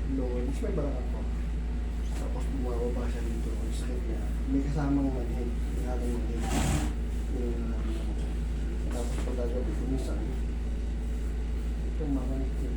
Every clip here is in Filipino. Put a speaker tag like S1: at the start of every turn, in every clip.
S1: lower, mas may balakang ko. Tapos bumababa siya dito, ang sakit niya. May kasamang manhid, inagang manhid. Yun ang nararamdaman ko. Tapos pagkagabi ko, minsan, itong mamanhid ko.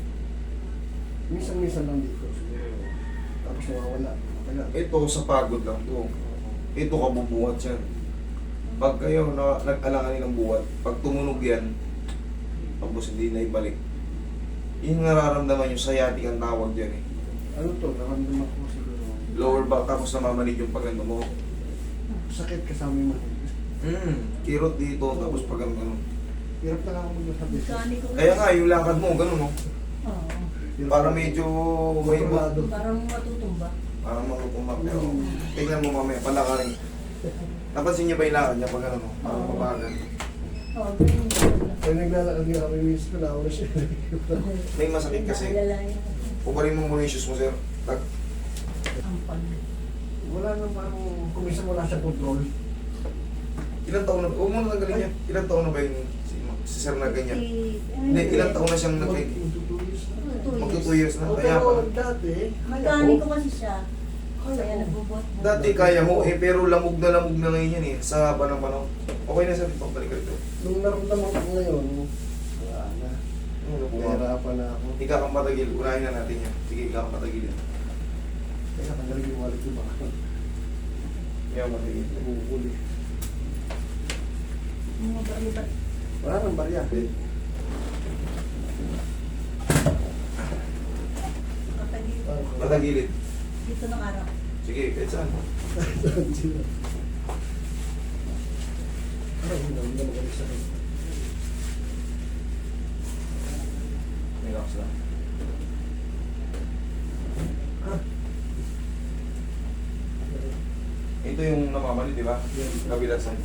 S1: Minsan lang dito, siguro. Tapos nawawala. Matagal.
S2: Ito sa pagod lang to. Ito kabubuhat yan. Pag kayo nag-alanganin ng buhat, pag tumunog yan, tapos hindi na ibalik. Yung nararamdaman yung sciatic ang tawag dyan eh.
S1: Ano to, naramdaman ko siguro.
S2: Lower back tapos namamanid yung pagano mo.
S1: Sakit kasama yung manhid.
S2: Kirot dito tapos pagano.
S1: Hirap na lang ako magsasabi.
S3: Mechanic ko.
S2: Kaya nga yung lakad mo, ganun no?
S3: Oo.
S2: Para medyo may
S3: Parang matutumba.
S2: parang makukumak. Pero tingnan mo mamaya, palakarin. Napansin niyo ba yung lakad niya pag ano no? Parang mabagal.
S3: Oo, ganyan yun.
S1: Kaya naglalakad nga kami, miss ko na ako na siya.
S2: May masakit kasi.
S3: Naalalayan ko.
S2: Puparin mo muna yung shoes mo sir. Tag.
S3: Ampal.
S1: Wala nang parang kumisa wala siyang control.
S2: Ilang taon na, huwag mo na tanggalin niya. Ilang taon na ba yung si sir na ganyan? Hindi, ilang taon na siyang nag- Magto 2 years na. Kaya
S1: Pero
S2: pala.
S1: dati,
S3: Mekaniko kasi siya.
S1: Kaya
S3: Kaya
S1: ko.
S3: nagbubot.
S2: Dati kaya mo eh, pero lamog na ngayon yan eh. Sa haba ng panahon. Okay na sir, pagbalik ka rito.
S1: Nung naramdaman ko ngayon, wala na.
S2: Ano po ba?
S1: Nahirapan na ako.
S2: Ikaw kang patagil, unahin na natin yan. Sige, ikaw kang patagilin.
S1: Kaya tanggalin yung wallet ko baka.
S2: Ikaw kang patagil.
S1: Nabuhuli.
S3: Mga ba?
S1: Wala nang barya.
S3: Kapatid.
S2: Patagilid.
S3: Dito ng araw.
S2: Sige, kahit saan.
S1: Ay, hindi na magaling sa akin.
S2: Relax lang. Ito yung namamali, di ba? Kabila side.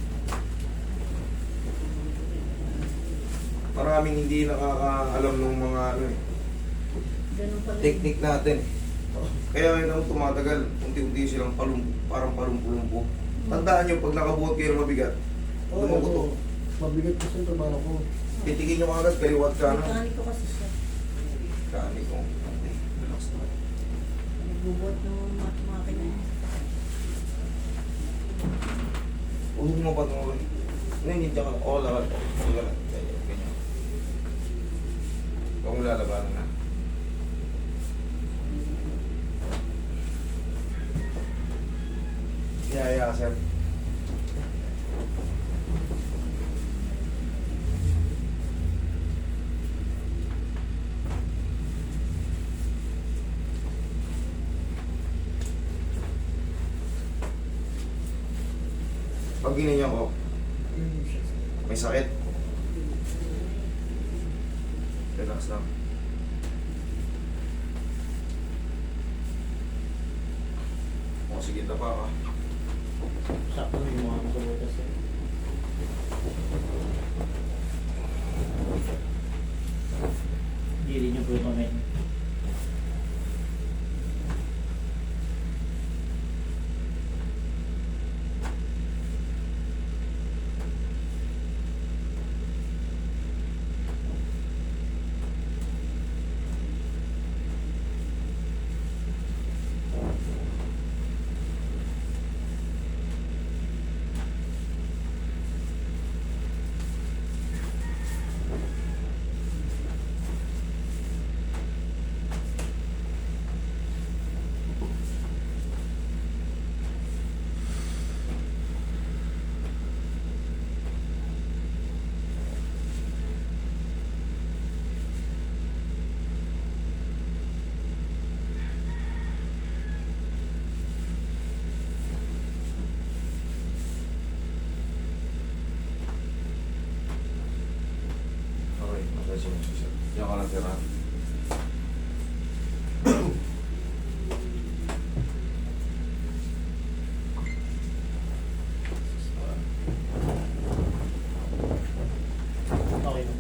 S2: Maraming hindi nakakaalam ng mga ano eh,
S3: Ganun pala.
S2: technique natin. Kaya yun ang tumatagal, unti-unti silang parang palumpo-lumpo. Tandaan nyo, pag nakabuhat kayo ng mabigat, dumugutok.
S1: Mabigat kasi yung trabaho ko.
S2: Titigin nyo agad, kaliwat ka na.
S3: Mekaniko kasi siya.
S2: Kani ko. Relax na.
S3: Nagbubot ng makina niya.
S2: Huwag mo pa ito. Hindi ka lang. Oo, lakad. Oo, lakad. Ganyan. Huwag mo lalabanan na. Yeah, sir. Pag ginanyan ko, may sakit. Relax lang. O, sige na pa ka.
S4: Sakto yung mga kasaboy kasi. Hindi rin yung glutamate.
S2: Okay, massage mo siya. Diyan ka lang tira.
S4: Okay na.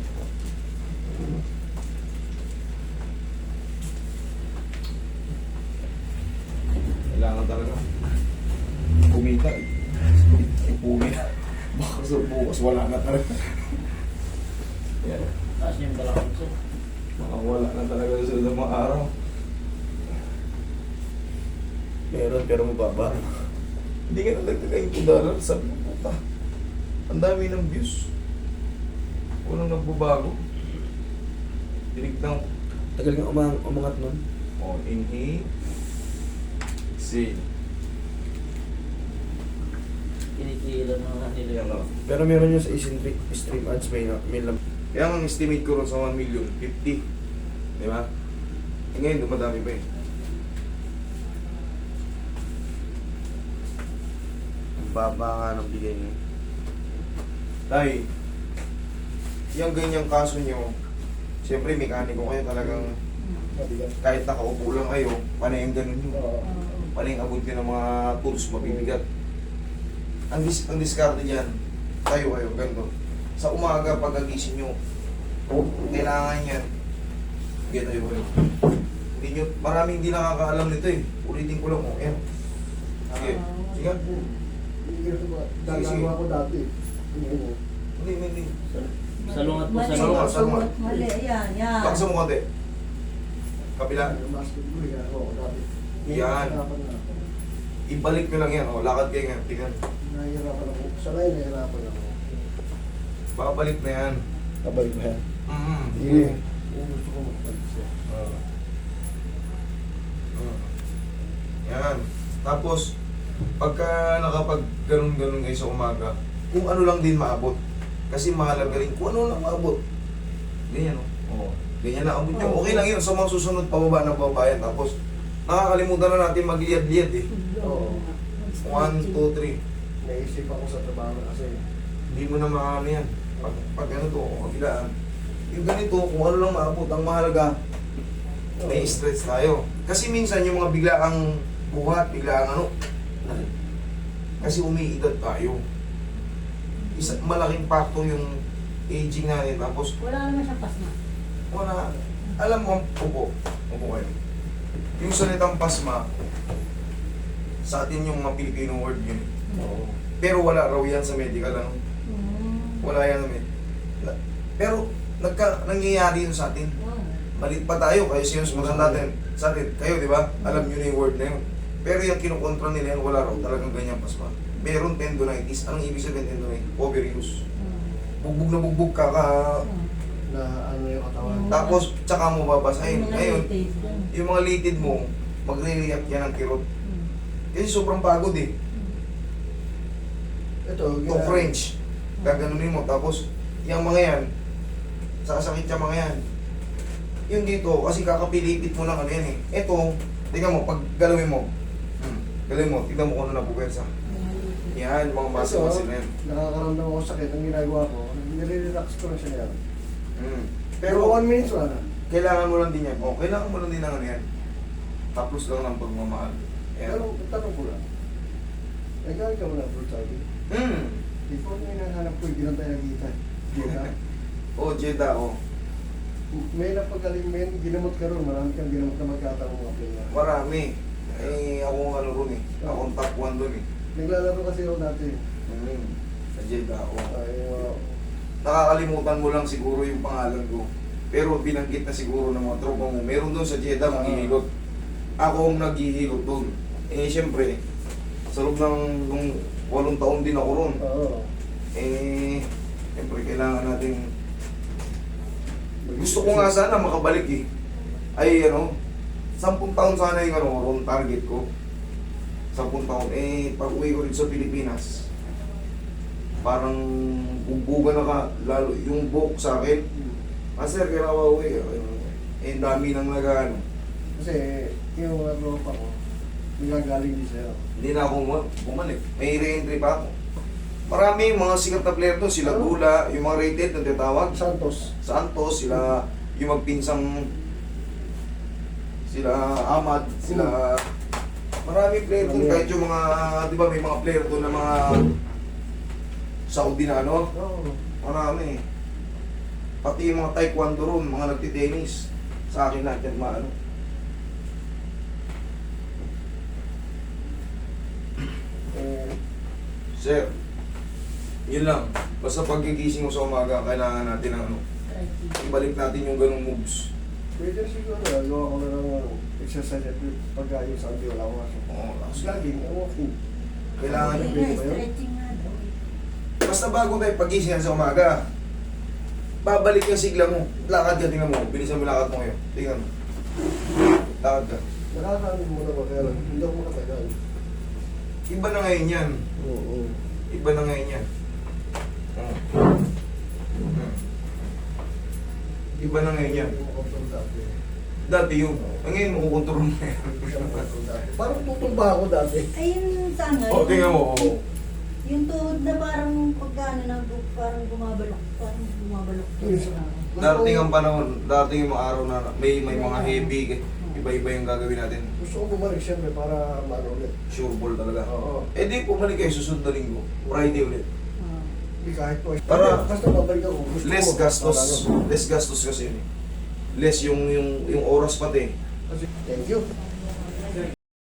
S2: Kailangan talaga. Kumita eh. Ipumi na. Baka sa bukas wala na talaga. Yan.
S4: Taas niya yung balakang so.
S2: Baka wala na talaga sa mga araw. Meron pero mababa. Hindi ka nalagtagay $2. Sabi ko, puta. Ang dami ng views. Walang nagbabago. Tinignan ko.
S1: Tagal nga umangat nun.
S2: Oh, inhale. Exhale.
S4: Kinikilan na nga nila
S2: Yan
S4: yung
S2: o.
S1: Pero meron yun sa stream ads, may lam.
S2: Kaya ang estimate ko ron sa 1 million, 50. Di ba? Eh ngayon, dumadami pa eh. Ang baba nga ng bigay niyo. Tay, yung ganyang kaso nyo, siyempre mekaniko kayo talagang kahit nakaupo lang kayo, panay ang ganun nyo. Panay ang abot nyo ng mga tools, mabibigat. Ang diskarte dyan, kayo, ganito. Sa umaga, pagkagising nyo, kailangan yan. Ganito yun. Hindi nyo, maraming hindi nakakaalam nito eh. Ulitin ko lang mo. Ayan. Sige. Sige.
S1: Gagawa ko dati.
S2: Hindi.
S4: salungat po
S3: Mali.
S2: Salungat,
S4: salungat.
S2: salungat.
S3: Mali, yan, yan.
S2: Baksa mo konti. Kapila.
S1: Basketball, ginagawa ko dati.
S2: Yan.
S1: Nahihirapan na ako.
S2: Ibalik nyo lang yan. O, lakad kayo nga. Tingnan.
S1: Nahihirapan ako. Sanay, nahihirapan ako.
S2: Babalik na yan.
S1: Kabalik ba yan?
S2: Sige.
S1: Yung gusto ko magpalit siya.
S2: Yan. Tapos, pagka nakapag ganun-ganun kayo sa umaga, kung ano lang din maabot. Kasi mahalaga rin kung ano lang maabot. Ganyan, no? Oo. Ganyan na abot nyo. Okay lang yun sa mga susunod pababa ng babayan. Tapos, nakakalimutan na natin magliyad-liyad eh.
S1: Oo.
S2: 1, 2, 3.
S1: Naisip ako sa trabaho kasi
S2: Hindi mo na maano yan. Pag ano to, kabilaan. Yung ganito, kung ano lang maabot, ang mahalaga, may stretch tayo. Kasi minsan yung mga biglaang buhat, biglaang ano, kasi umiidad tayo. Malaking factor yung aging natin. Tapos,
S3: Wala naman siyang pasma.
S2: wala, alam mo, upo kayo. Yung salitang pasma, sa atin yung mga Filipino word yun.
S1: Oo.
S2: Pero wala raw yan sa medical, ano? Wala yan namin. Pero, nangyayari yun sa atin. Malit pa tayo, kayo siya mas natin sa atin. Kayo, di ba? Alam nyo na yung word na yun. Pero yung kinukontra nila yan, wala raw talagang ganyan pasma. Meron tendonitis. Anong ibig sabihin tendonitis? Overuse. Bugbog na bugbog ka
S1: Na ano yung katawan.
S2: tapos tsaka mo babasahin.
S3: Yung mga
S2: Ngayon,
S3: latest dun.
S2: yung mga litid mo, magre-react yan ng kirot. Kasi sobrang pagod eh.
S1: Ito,
S2: To French. Gaganunin mo. Tapos, yung mga yan, sasakit yung mga yan. Yung dito, kasi kakapilipit mo lang ano yan eh. Ito, tingnan mo, pag galawin mo, galawin mo, tingnan mo kung ano napuwersa. Yan, mga muscle na yan.
S1: Nakakaramdam ako sakit. Ang ginagawa ko, nire-relax ko na siya yan.
S2: Pero,
S1: Pero 1 minute wala na.
S2: kailangan mo lang din yan. O, kailangan mo lang din ng ano yan. Tapos lang ng pagmamahal.
S1: Pero
S2: Ayan.
S1: tanong ko lang. Nagkakaroon ka mo na fruit sabi? Before may nahanap ko, hindi lang tayo nakita. Diba?
S2: O, Jeda, o.
S1: May napagaling men, ginamot ka ron. Marami kang ginamot na magkataong mga player.
S2: Marami. Eh, ako ang ano ron eh. Ako ang top 1 dun eh.
S1: Naglalaro kasi ako dati.
S2: Sa Jeda, o.
S1: Ay,
S2: Nakakalimutan mo lang siguro yung pangalan ko. Pero binanggit na siguro ng mga tropa mo. Meron doon sa Jeddah maghihilot. Ako ang naghihilot doon. Eh siyempre, sa loob ng nung 8 taon din ako ron.
S1: oo.
S2: Eh, siyempre kailangan natin. Gusto ko nga sana makabalik eh. Ay ano, 10 taon sana yung ano, ron target ko. 10 taon. Eh, pag uwi ko rin sa Pilipinas, parang bugbugan na ka, lalo yung buhok sa akin. Sir, kailangan ka uwi. Eh, dami nang nag-ano.
S1: Kasi yung mga tropa ko, nagagaling din sa'yo.
S2: Hindi na ako bumalik. May re-entry pa ako. Marami mga sikat na player doon. Sila Gula, yung mga rated na tinatawag.
S1: Santos.
S2: Santos, sila yung magpinsang sila Ahmad, sila marami player doon. Kahit yung mga, di ba may mga player doon na mga Saudi na ano.
S1: Oo.
S2: Marami. Pati yung mga taekwondo ron, mga nagtitennis. Sa akin lahat yan maano. Sir, yun lang. Basta paggigising mo sa umaga, kailangan natin ng ano, ibalik natin yung ganong moves.
S1: Pwede siguro, gawa ko na ng exercise at pagka yung Sunday wala akong aso.
S2: Oo,
S1: Jogging, walking.
S2: Kailangan
S3: Hindi
S1: pwede
S3: nga,
S1: ba yun?
S3: stretching nga daw.
S2: Basta bago tayo pagising yan sa umaga, babalik yung sigla mo. Lakad ka, tingnan mo. Bilisan mo yung lakad mo ngayon. Tingnan mo. Lakad ka.
S1: Nakakaano mo naman kaya lang, hindi ako makatagal.
S2: Iba na ngayon yan.
S1: Oo.
S2: Iba na ngayon yan. Iba na ngayon yan.
S1: Hindi mo control dati.
S2: Dati yung, ngayon mo kukontrol mo yan.
S1: Hindi ko siya makontrol dati. Parang tutumba ako dati.
S3: Ayun sa ano.
S2: O, tingnan mo. Oo.
S3: Yung tuhod na parang pagkano na parang bumabalok. Parang bumabalok.
S2: Darating ang panahon, darating yung mga araw na may mga heavy, iba-iba yung gagawin natin.
S1: Gusto ko bumalik siyempre para maano ulit.
S2: Sure ball talaga.
S1: Oo.
S2: Eh di, pumalik kayo susunod na linggo. Friday ulit.
S3: Ah.
S1: Hindi kahit po.
S2: Para-
S1: basta babalik ako. Gusto
S2: Less
S1: ko,
S2: gastos.
S1: para ano.
S2: Less gastos kasi yun eh. Less yung oras pati.
S1: Kasi, thank you.